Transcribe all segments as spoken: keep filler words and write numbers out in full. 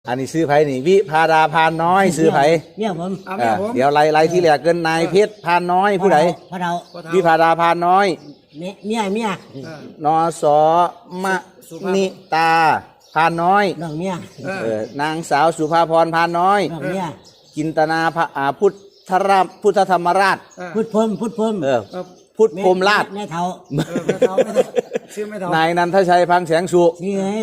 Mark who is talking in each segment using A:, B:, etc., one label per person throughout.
A: อันนี้ซื้อไผ่นี่วิพาดาพานน้อยซื้อไผ่
B: เนี่ยผม
A: เออเดี๋ยวไล่ไล่ที่แหลกเกินนายเพชรพานน้อยผู้ใด
B: พ่อเฒ่า
A: วิพาดาพานน้อย
B: เมียเมียเมีย
A: นอสอมะนิตาพานน้อย
B: น้องเมีย
A: เออนางสาวสุภาพรพานน้อย
B: น้องเมีย
A: จินตนาพระพุทธรามพุทธธรรมราช
B: พุทธพรมพุทธพรม
A: เออพุทธพรมราช
B: แม่เฒ่า
A: ชื่อแม่เฒ่านายนันทชัยพังแสงสุ
B: นี่ไง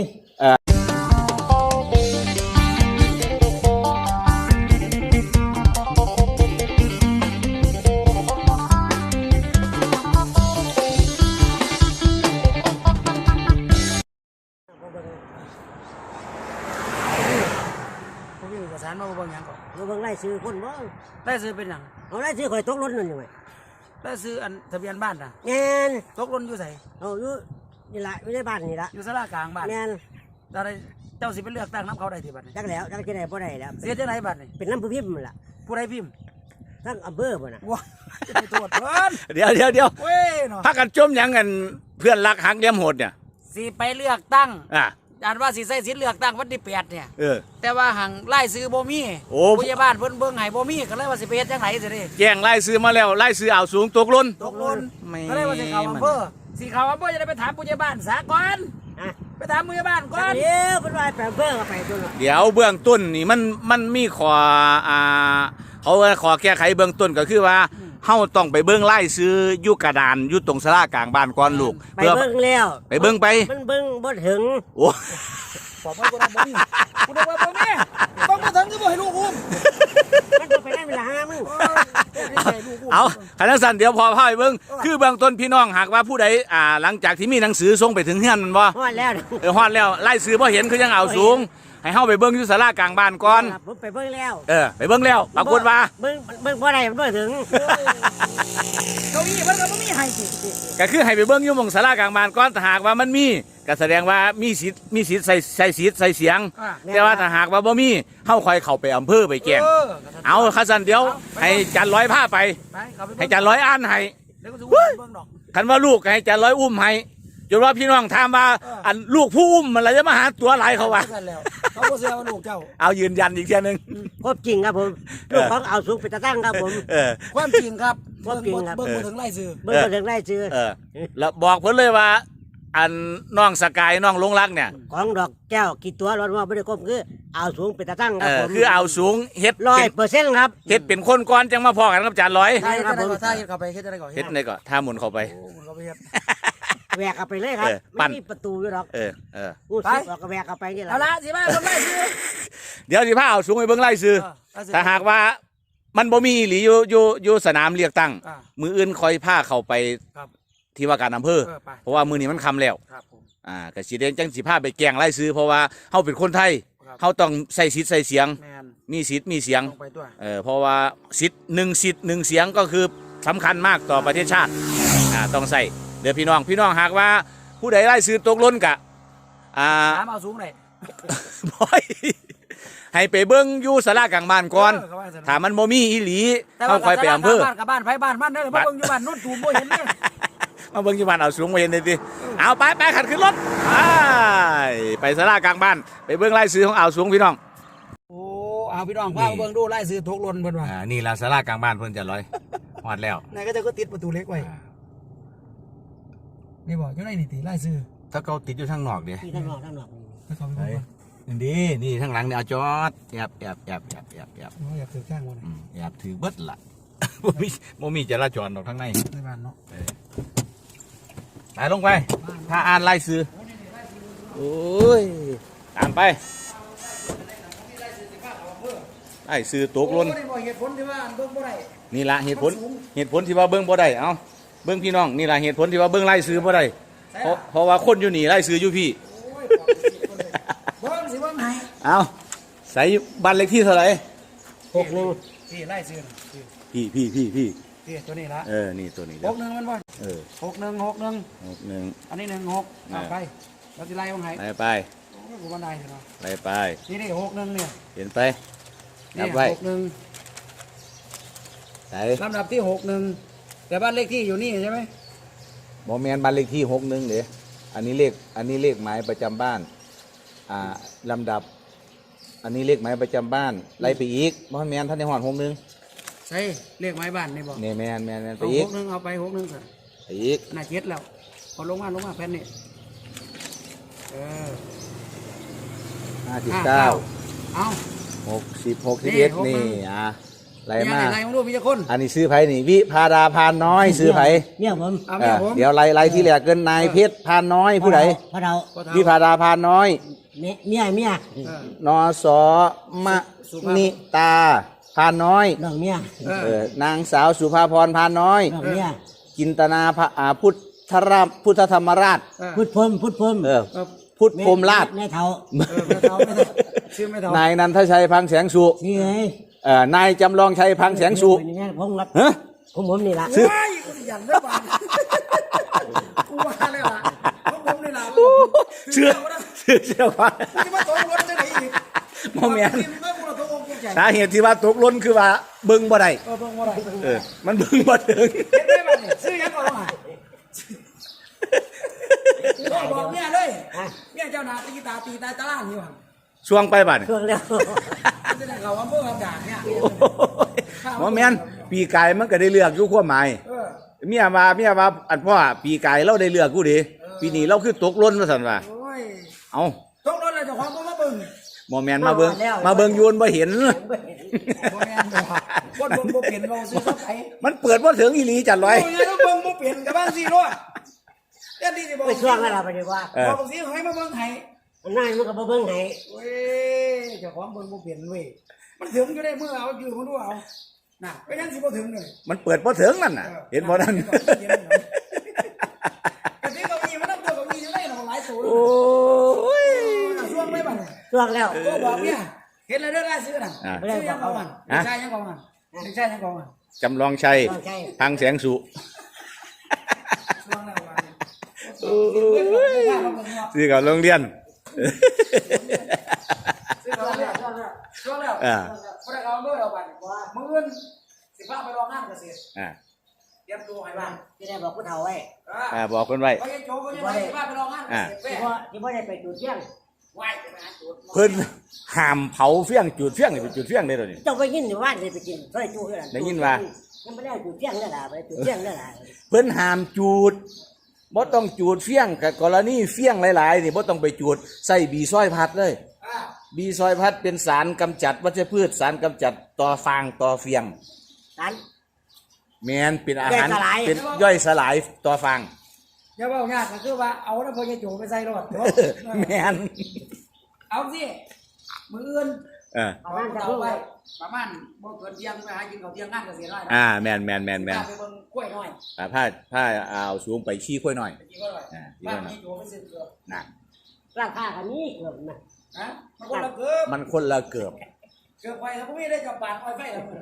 C: สารมาบ่งยังก่อน
B: มาเบิ่งไล่ซื้อคนบ่
C: ได้ซื้อเป็นหยัง
B: เอาไล่ซื้อข่อยตกรถนั่นอยู่ไหม
C: ได้ซื้ออันทะเบียนบ้านน่ะ
B: แม่น
C: ตกรถอยู่ไส
B: เอาอยู่นี่ละอยู่ในบ้านนี่ละ
C: อยู่ศาลากลางบ้าน
B: แม่น
C: แต่เจ้าสิไปเลือกตั้งน้ำเขาได้ที่บัดนี้
B: จักแล้วจักจะได้บ่ได้แล้ว
C: เสียจังไหนบัดนี้
B: เป็นน้ำผู้พิมพ์ล่ะ
C: ผู้ใดพิมพ์
B: ทั้งอำเภอบ่น่ะ
C: ว้าจะไปตรวจเพิ่น
A: เดี๋ยวเดี๋ยวเดี๋ยว
C: เว้ยเนาะ
A: พักกันจมหยังกันเพื่อนรักหักเลี้ยมโหดเนี่ย
C: สิไปเลือกตั้ง
A: อ่ะ
C: อันว่าสิใส่สิทธิ์เลือกตั้งวันที่แปดเนี่ย
A: เออ
C: แต่ว่าหังไล่ซื้อบ่มีผู้ใหญ่บ้านเพิ่นเบิ่งให้บ่มีก็เลยว่าสิไปเฮ็ดจังได๋สิเด้
A: แจ้งไล่ซื้อมาแล้วไล่ซื้อเอาสูงตกล้น
C: ตกล้นก็เลยว่าสิเข้าอำเภอสิเข้าอำเภอจะได้ไปถามผู้ใหญ่บ้านซะก่อนไปถามผู้ใหญ่บ้านก่อน
B: เดี๋ยวเพิ่นว่าไปอำเภอก็ไปตัว
A: เดี๋ยวเบื้องต้นนี่มันมันมีขออ่าเขาขอแก้ไขเบื้องต้นก็คือว่าเฮาต้องไปเบิ่งไล่ซื้ออยู่กระดานอยู่ตรงศาลากลางบ้านก่อนลูก
B: ไปเบิ่งแล้ว
A: ไปเบิ่งไป
B: มันเบิ่งบ่ถึง
A: โอ้
C: บอกว่าบ่มีกูบอกว่าบ่มีต้องบ่ถึงคือบ่ให้ลูกอุ้ม
B: มันบ่ไปได้เวลาหามึง
A: เอาคันสั่นเดี๋ยวพอพาไปเบิ่งคือเบื้องต้นพี่น้องหากว่าผู้ใดอ่าหลังจากที่มีหนังสือส่งไปถึงเฮือนมันบ่
B: ฮอดแล้ว
A: เออฮอดแล้วไล่ซื้อบ่เห็นคือยังเอาสูงให้เฮาไปเบิ่งอยู่ศาลากลางบ้านก่อน
B: ผมไปเบิ่งแล้ว
A: เออไปเบิ่งแล้วปรากฏว่า
B: เบิ่งเบิ่งบ่ได้มันบ่ถึง
C: เก้าอี้มันก็บ่มีให้สิ
A: ก็คือให้ไปเบิ่งอยู่หม่องศาลากลางบ้านก่อนถ้าหากว่ามันมีก็แสดงว่ามีสิทธิ์มีสิทธิ์ใส่ใส่สิทธิ์ใส่เสียงแต่ว่าถ้าหากว่าบ่มีเฮาค่อยเข้าไปอำเภอไปแจ้งเอาคันสั่นเดี๋ยวให้จันร้อยพาไปให้จันร้อยอ่านให้คันว่าลูกให้จันร้อยอุ้มให้จนว่าพี่น้องถามว่าอันลูกผู้อุ้มมันอะไรจะมาหาตัวหลายเขาวะ
C: เขาบ่เชื่อว่าลูกเจ้า
A: เอายืนยันอีกเทีนึง
B: ครบจริงครับผมลูกของเอาสุกไปตะตั้งครับผม
C: ความจริงครับ
B: ความจริงครับ
C: เบิ่งบ่ถึงไล่ซื้อ
B: เบิ่งบ่ถึงไล่ซื้อ
A: แล้วบอกเพิ่นเลยว่าอันน้องสกายน้องลงรักเนี่ย
B: ของดอกแก้วกี่ตัวรอดว่าบ่ได้ครบคือเอาสูงไปตะตั้งครับผม
A: คือเอาสูงเฮ็ด
B: ร้อยเปอร์เซ็นต์ครับ
A: เฮ็ดเป็นคนก่อนจังมาพอกันกับจานร้อย
C: ใช่ครับผมถ้าเฮ็ดเข้าไปเฮ็ดจะได้ก่อน
A: เฮ็ดได้ก่อนถ้าหมุนเข้าไป
C: โอ้หมุนเข้าไปเฮ็ด
B: แหวกเอาไปเลยครับไม่มีประตูอยู่หรอก
A: เออเออ
B: ไปก็แหวกเอาไปนี่แหละ
C: เอาละสิมาเบิ่งไล่ซื้อ
A: เดี๋ยวสิพาเอาสูงไปเบิ่งไล่ซื้อถ้าหากว่ามันบ่มีหรืออยู่อยู่อยู่สนามเลือกตั้งมืออื่นคอยพาเข้าไปที่ว่าการอำเภอเพราะว่ามือนี้มันค่ำแล้วอ่าก็สิเดนจังสิพาไปแกงไล่ซื้อเพราะว่าเฮาเป็นคนไทยเฮาต้องใส่สิทธิ์ใส่เสียงมีสิทธิ์มีเสียงเออเพราะว่าสิทธิ์หนึ่งสิทธิ์หนึ่งเสียงก็คือสำคัญมากต่อประเทศชาติอ่าต้องใส่เดี๋ยวพี่น้องพี่น้องหากว่าผู้ใดไล่ซื้อตกล้นกะอ่า
C: ถามเอาสูงหน่อย
A: บ่อยให้ไปเบิ่งอยู่ศาลากลางบ้านก่อนถ้ามันบ่มีอีหลีเฮาค่อยไปอำเภอ
C: บ้านกับบ้านไผบ้านมันเด้อบ่เบิ่งอยู่บ้านโน่นตูมบ่เห็นเด้อ
A: มาเบิ่งอยู่บ้านเอาสูงบ่เห็นได้ติเอาไปไปขัดขึ้นรถไปไปศาลากลางบ้านไปเบิ่งไล่ซื้อของเอาสูงพี่น้อง
C: โอ้เอาพี่น้องพาเบิ่งดูไล่ซื้อตกล้นเพิ่นว่า
A: อ่านี่ล่ะศาลากลางบ้านเพิ่นจะร้อยฮอดแล้ว
C: ไหนก็จะก็ติดประตูเล็กไว้นี่บอกอยู่ในนี่ติไล่ซื้อ
A: ถ้าเขาติดอยู่ทางนอกเด้
B: ที่ทางนอกทางนอก
C: ถ้าเขาไปบ่
A: นี่นี่ทางหลังเนี่ยเอาจอดแอบแอบแอบแอบแอบแอบ
C: อ๋ออยากถือข้างบ่น่ะ
A: แอบถือเบิดล่ะบ่มีบ่มีจราจรดอกทางใน
C: ในบ้านเนาะ
A: ไปลงไปถ้าอ่านไล่ซื้อโอ้ยตามไปไอ้ซื้อตกล้น
C: เหตุผลที่ว่าเบิ่งบ่ได้
A: นี่ละเหตุผลเหตุผลที่ว่าเบิ่งบ่ได้เอาเบิ่งพี่น้องนี่ละเหตุผลที่ว่าเบิ่งไล่ซื้อบ่ได้เพราะเพราะว่าคนอยู่นี่ไล่ซื้ออยู่พี่
C: เบิ่งสิเบิ่งให้
A: เอาใส่บ้านเลขที่เท่าไหร่
C: หกหนึ่งพี่ไล่ซื้อ
A: พี่พี่พี่พี่
C: พี่ตัวนี้ละ
A: เออนี่ตัวนี้
C: หกหนึ่งมันบ่
A: เออ
C: หกหนึ่งหกหนึ่ง
A: หกหนึ่ง
C: อันนี้หนึ่งหกเอาไปเราจะไล่เบิ่งให้
A: ไล่ไป
C: โอ้กูบ่ได้เนาะ
A: ไล่ไป
C: นี่นี่หกหนึ่งเนี่ย
A: เห็นไปนับไว้
C: หกหนึ่ง
A: ใส่
C: ลำดับที่หกหนึ่งแต่บ้านเลขที่อยู่นี่ใช่ไหม
A: บ่แม่นบ้านเลขที่หกหนึ่งเด้อันนี้เลขอันนี้เลขหมายประจำบ้านอ่าลำดับอันนี้เลขหมายประจำบ้านไล่ไปอีกบ่แม่นท่านในหอดหกหนึง
C: ใช่เลขไม้บ้านนี่บอก
A: นี่แม่นแม่นแม่นไป
C: เอา
A: อี
C: ห
A: ก
C: กหนึงเอาไปหกหนึงสิ
A: ไปอีก
C: น่าเจ็ดแล้วพอลงมาลงมาแผ่นนี่เออ
A: ห้าสิบเก้า
C: เอา
A: หกสิบหกสิบเอ็ด
C: นี่
A: นี่
C: หกหนึ่ง
A: อ่ะไล่
C: ยัง
A: มา
C: ไงไรมึงรู้มีจะคน
A: อันนี้ซื้อไผนี่วิพาดาพานน้อยซื้อไผ
B: เนี่ยผม
C: เอา
A: เอ
C: แม่
A: อ
C: ผม
A: เดี๋ยวไล่ไล่ที่แรกเกินนายเพชรพานน้อยผู้ใด
B: พระเรา
A: วิพาดาพานน้อย
B: เมียเมียเมีย
C: เออน
A: อสอมะนิตาพานน้อย
B: น้องเมีย
C: เอ
A: เอ
C: อ
A: อนางสาวสุภาพรพานน้อย
B: น้องเมีย
A: จินตนาพระอ่าพุทธราพุทธธรรมราช
C: เออ
B: พุทธพรหมพุทธพรหม
A: เออ
C: เออ
A: พุทธพรหมราช
B: แม่เฒ่า
C: เออไม่เท่าไม่เท่าชื่อไม่เท่าน
A: ายนันทชัยพังแสงสุ
B: นี่ไง
A: เอ่อนายจำลองชัยพังแสงสุ
B: เป็นอย่างนั้นผมรับ
A: ฮะ
B: ผมผมนี่ล่ะ
C: โอ้ยกูสิยันได้ป่ะกูว่าเลยล่ะเพราะผมนี่ล่ะ
A: เชื่อเชื่อเชื่อว่า
C: กูจะมาตกรถจะไหนอีก
A: โมเมน
C: เมื่อกูเราตกองกูใจ
A: สาเหตุที่ว่าตกหล้นคือว่าเบิ่งบ่ได้
C: เออเบิ่งว่าไร
A: เออมันเบิ่งบ่ถึง
C: เห็นได้ป่ะเนี่ยซื้อยังก่อนว่าบอกเนี่ยเลยเนี่ยเจ้านาตีตาตีตาตาล่างอยู่หัน
A: ช่วงไปบัด
B: ช่วงแล้ว
C: จะได้เขาว่าเมื่อคำด่าเนี่ย
A: โมเมนปีกายมันก็ได้เลือกอยู่ความหมาย
C: เออ
A: เมียว่าเมียว่าอันพ่อปีกายเราได้เลือกกูดิปีนี้เราคือตกหล้นว่าซั่นว่า
C: โอ้ย
A: เอ้า
C: ตกรถเลยเจ้าของก็มาเบิ่ง
A: โมเมนมาเบิ่งมาเบิ่งอยูนบ่เห็น
C: บ่แม่นบ่คนเบิ่งบ่เปลี่ยนเราซื้อซับไผ
A: มันเปิดบ่ถึงอีหลีจัดร้อย
C: โอ้ยเบิ่งบ่เปลี่ยนกับบ้านสิรถเดี๋ยวนี้สิบอก
B: ไปช่วงแล้วล่ะไปดีกว่า
A: เออ
C: บอกสิให้มาเบิ่งให้
B: นายมันก็บ่เบิ่งให้
C: เว้ยเจ้าของเบิ่งบ่เปลี่ยนเว้ยมันถึงอยู่ได้เมื่อเอาอยู่มึงดูเอาน่ะไปยังสิบ่ถึงเลย
A: มันเปิดบ่ถึงนั่นน่ะ เห็นบ่นั่น
C: กะทิก็มีมันนำตัวก็มีอยู่ได้เนาะหลายตัว
A: โอ้ย
C: ช่วงไปบัดนี้
B: ช่วงแล้ว
C: ก็บอกเนี่ยเห็นแล้วเด้อรายซื้อน่ะ
A: อ่ะ
C: ซื้อยังก่อนมันใช่ยังก่อนมันใช่ยังก่อนมัน
A: จำลองชัย
B: ช่วงใช่
A: พังแสงสุ
C: ช่วงแล้ววันนี้
A: ซื้อกับโรงเรียน
C: ซื้อแล้วช่วงแล้วช่วงแล้ว
A: อ่า
C: บ่ได้เอาเบอร์เอาบัดว่ามื้อสิพาไปรองงานเกษตร
A: อ่า
C: เตรียมตัวให้บ้าน
B: ที่ได้บอกผู้เฒ่าไว้
A: อ่าบอกคนไว้
C: เขายังโจเขายังไปสิพาไปรองงานเกษตร
B: ที่บ่ที่บ่ได้ไปจุดเที่ยง
C: ไหวจะไปหาจุด
A: เพิ่นห้ามเผาเฟี้ยงจุดเฟี้ยงนี่เป็นจุดเฟี้ยงได้ตัวนี้
B: เจ้าไปยินอยู่บ้านเลยไปกินซอยจูคือกัน
A: ได้ยินว่า
B: ยังไม่ได้จุดเที่ยงนั่นล่ะไปจุดเที่ยงนั่นล่ะ
A: เพิ่นห้ามจูดบ่ต้องจูดเฟี้ยงกับกรณีเฟี้ยงหลายๆนี่บ่ต้องไปจูดใส่บีซอยพัดเลย
C: อ่า
A: บีซอยพัดเป็นสารกำจัดวัชพืชสารกำจัดต่อฟางต่อเฟี้ยง
B: นั้น
A: แมนเป็นอาหาร
B: ย่อยสลาย
A: เป็นย่อยสลายต่อฟาง
C: อย่าเว้ายากก็คือว่าเอาแล้วพอจะโจไปใส่รถ
A: แมน
C: เอาสิมื้ออื่น
A: เออ
C: ประมาณจะไปประมาณบ่เกินเที่ยงไปหากินข้าวเที่ยงงานเกษตรได้
A: อ่าแมนแมนแมนแมน
C: ไปเบิ่งกล้วยน้อย
A: อ่าผ้าผ้าเอาสูงไปขี้ค่อยหน่อย
C: ไปกินกล้วยน้อย
A: อ่า
C: บ้านนี้โจไปซื้อเกลือ
A: นะ
B: ราคาคันนี้เกือบนะ
C: ฮะมันคนละเกือบ
A: มันคนละเกือบ
C: เกือบไปแล้วพวกนี้ได้จับปากอ้อยไฟแล้วมื้อ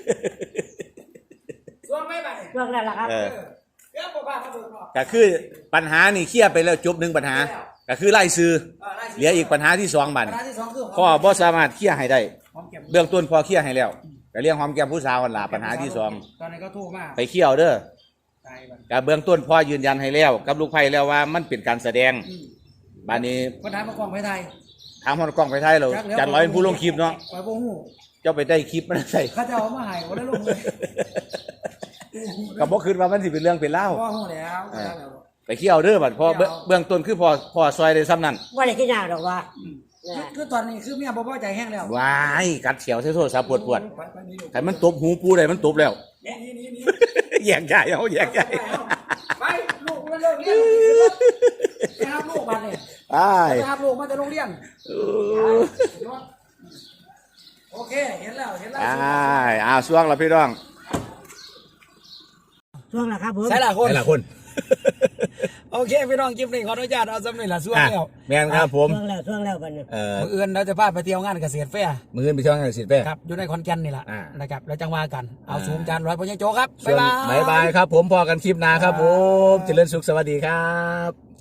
C: ส่วนไม่ไป
B: ช่วงนั้นล่ะครับ
A: เออ
C: เกือบบ่พามาเบิ่งเนาะ
A: ก็คือปัญหานี่เคลียร์ไปแล้วจบหนึ่งปัญหา ก็คือไล่ซื้อ
C: เออได้สิ
A: เหลืออีกปัญหาที่สองบัด
C: ปัญหาที่สองคือ
A: พ่อบ่สามารถเคลียร์ให้ได้
C: หอมแก้ม
A: เบื้องต้นพ่อเคลียร์ให้แล้วก็เรื่องหอมแก้มผู้สาวนั่นล่ะปัญหาที่สอง
C: ตอนนี้ก็โทรมา
A: ไปเคี่ยวเด้อ
C: ตายบัด
A: ก็เบื้องต้นพ่อยืนยันให้แล้ว กับลูกไผ่แล้วว่ามันเป็นการแสดง
C: อืม
A: บัดนี้
C: ปัญหามากองไปไทย
A: ถามฮอดกล้องไปไทยเราจัดร้อยเป็นผู้ลงคลิปเนาะ
C: ไปบ่ฮู้
A: เจ้าไปได้คลิปมันใส่
C: เขาจะเอามาให้บ่ได้ลงเลย
A: ก็บ่คิดว่ามันสิเป็นเรื่องเป็นเล่าว
C: บ่ฮู้แล้ว
A: ไปเคี่ยวเด้อบัดพอเบื้องเบื้องต้นคือพอพอซอยได้ซ้ำนั่น
B: ว่าได้กินยากดอกว่า
C: คือคือตอนนี้คือเมียบ่พอใจแห้งแล้ว
A: ว้ายกัดเฉียวใส่โทรศัพท์ปวดปวด
C: ไปไปนี่ลูก
A: ๆแต่มันตบหูปูได้มันตบแล้ว
C: นี่นี่นี่
A: แยกย้ายเอาแยกย้าย
C: ไปลูกมันเลิกเรียนไปหาลูกบัดนี่
A: อ้าย
C: ไปหาลูกมาจากโรงเรียน
A: เออ
C: โอเคเห็นแล้วเห็นแล้ว
A: อ้ายอ้าวช่วงละพี่น้อง
B: ช่วงละครับผม
C: ใช่ล่ะคน
A: ไหนล่ะคน
C: โอเคพี่น้องคลิปนี้ขออนุญาตเอาสำเร็จละส่วน
A: อ่ะ
C: แล้ว
A: แม่นครับผม
B: ช่วงแล้วช่วงแล้วบัดนี้
A: เอ่อ
C: มื้ออื่นเราจะพาไปเที่ยวงานเกษตรแฟร์
A: มืออนไปช่วงไหนสิแป้
C: ครับอยู่ในขอนแก่นนี่แหละ
A: อ่า
C: นะครับแล้วจังว่ากันเอา
A: อ่า
C: สูงจานร้อยพญโจครับ
A: ส่วน
C: บ๊ายบาย
A: บ๊ายบายครับผมพอกันคลิปหน้าครับผมเจริญสุขสวัสดีครับ